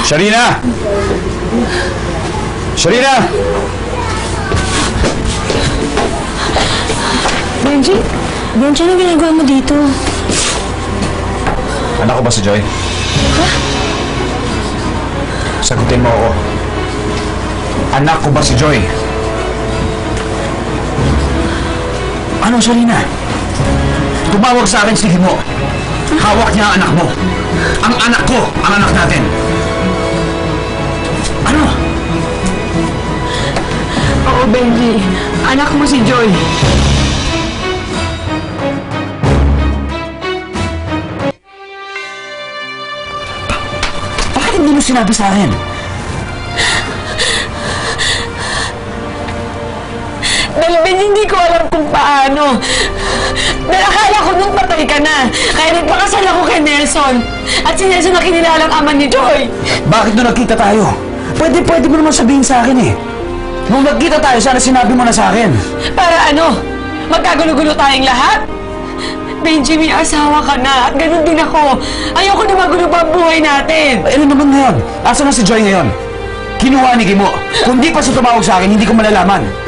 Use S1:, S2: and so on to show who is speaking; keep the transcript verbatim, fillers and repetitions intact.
S1: Sharina! Sharina!
S2: Benji? Benji, ano ginagawa mo dito?
S1: Anak ko ba si Joy?
S2: Ha?
S1: Sagutin mo ako. Anak ko ba si Joy? Ano, Sharina? Tumawag sa akin si Himo. Hawak niya ang anak mo. Ang anak ko, ang anak natin. Ano?
S2: Oo, Benji. Anak mo si Joy.
S1: Bakit hindi mo sinabi sa akin?
S2: Dahil Ben, hindi ko alam kung paano. Dahil akala ko nung patay ka na. Kaya nagpakasal ako kay Nelson. At si Nelson na kinilalang ama ni Joy.
S1: Bakit nung nagkita tayo? Pwede, pwede mo naman sabihin sa akin eh. Nung nagkita tayo, sana sinabi mo na sa akin.
S2: Para ano? Magkagulo-gulo tayong lahat? Benji, may asawa ka na. At ganun din ako. Ayoko na magulo pa ang buhay natin.
S1: Eh, ano naman ngayon? Asa na si Joy ngayon? Kinuha ni Kimo. Kung di pa siya tumawag sa akin, hindi ko malalaman.